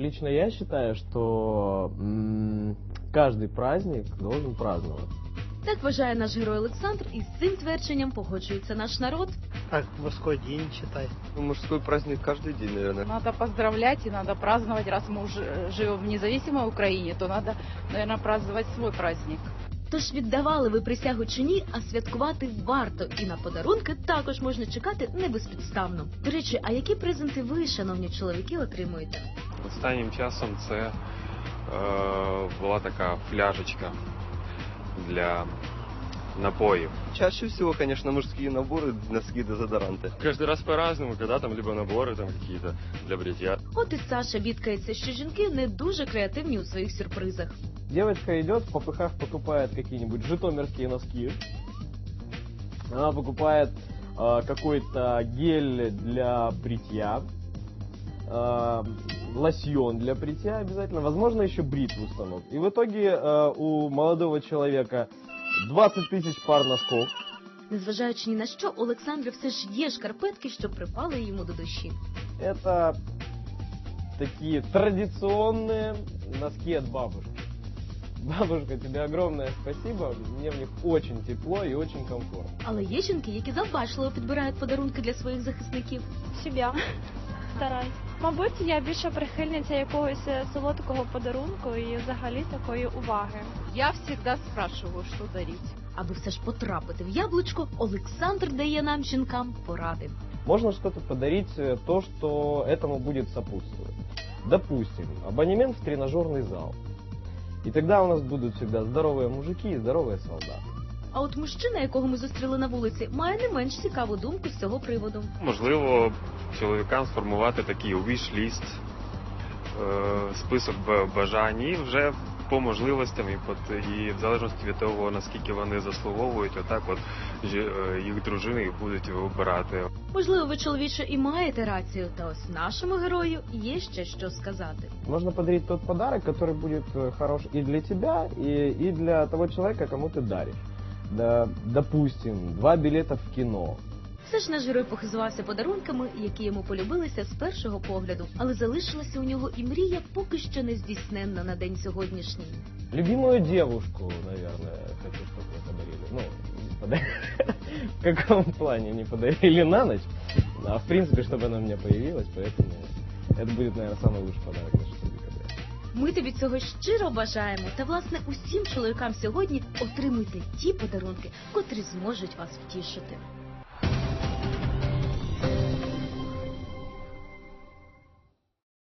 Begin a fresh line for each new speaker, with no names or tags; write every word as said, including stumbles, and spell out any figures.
Лично я считаю, что м- каждый праздник должен праздновать.
Так вважає наш герой Олександр, і з цим твердженням погоджується наш народ.
Как мужской день, считай.
Ну, мужской праздник каждый день, наверное.
Надо поздравлять и надо праздновать. Раз мы уже живем в независимой Украине, то надо, наверное, праздновать свой праздник.
Тож віддавали ви присягу чи ні, а святкувати варто. І на подарунки також можна чекати не безпідставно. До речі, а які презенти ви, шановні чоловіки, отримуєте?
Останнім часом це е, була така фляжечка для напоїв.
Чаще всего, конечно, мужские наборы, носки, дезодоранты.
Каждый раз по-разному, когда там либо наборы там какие-то для бритья.
От і Саша бідкається, що жінки не дуже креативні у своїх сюрпризах.
Девочка идет, в попыхах покупает какие-нибудь житомирские носки. Она покупает э, какой-то гель для бритья, э, лосьон для бритья обязательно, возможно, еще бритву станок. И в итоге э, у молодого человека двадцать тысяч пар носков.
Незважаючи ні на що, у Олександра все ж є шкарпетки, що припали йому до душі.
Это такие традиционные носки от бабушки. Бабушка, тебе огромное спасибо, мне в них очень тепло и очень комфортно.
Але є жінки, які завбачливо підбирають подарунки для своїх захисників.
Себя стараюсь. Мабуть, я більше прихильниця якогось солодкого подарунку і взагалі такої уваги.
Я всегда спрашиваю, что дарить.
Аби все ж потрапити в яблучко, Олександр дає нам, жінкам, поради.
Можно что-то подарить, э, то, что этому будет сопутствовать. Допустим, абонемент в тренажерный зал. И тогда у нас будут всегда здоровые мужики и здоровые солдаты.
А от мужчина, якого ми зустріли на вулиці, має не менш цікаву думку з цього приводу.
Можливо, чоловікам сформувати такий wish-list, е, список б- бажань і вже по можливостям і, по- і в залежності від того, наскільки вони заслуговують, отак от жі- е, їх дружини їх будуть вибирати.
Можливо, ви, чоловіче, і маєте рацію, та ось нашому герою є ще що сказати.
Можно подарить тот подарок, который будет э, хорош и для тебя, и, и для того человека, кому ты даришь. Да, допустим, два билета в кино.
Все ж наш герой похизувався подарунками, які йому полюбилися з першого погляду, але залишилася у нього і мрія поки що не здійсненна на день сьогоднішній.
Любимую девушку, наверное, хочу, чтобы мне подарили. Ну, подарили. В каком плане не подарили на ночь, а в принципе, чтобы она у меня появилась, поэтому это будет, наверное, самый лучший подарок на шестого декабря.
Ми тобі цього щиро бажаємо, та, власне, усім чоловікам сьогодні отримуйте ті подарунки, котрі зможуть вас втішити.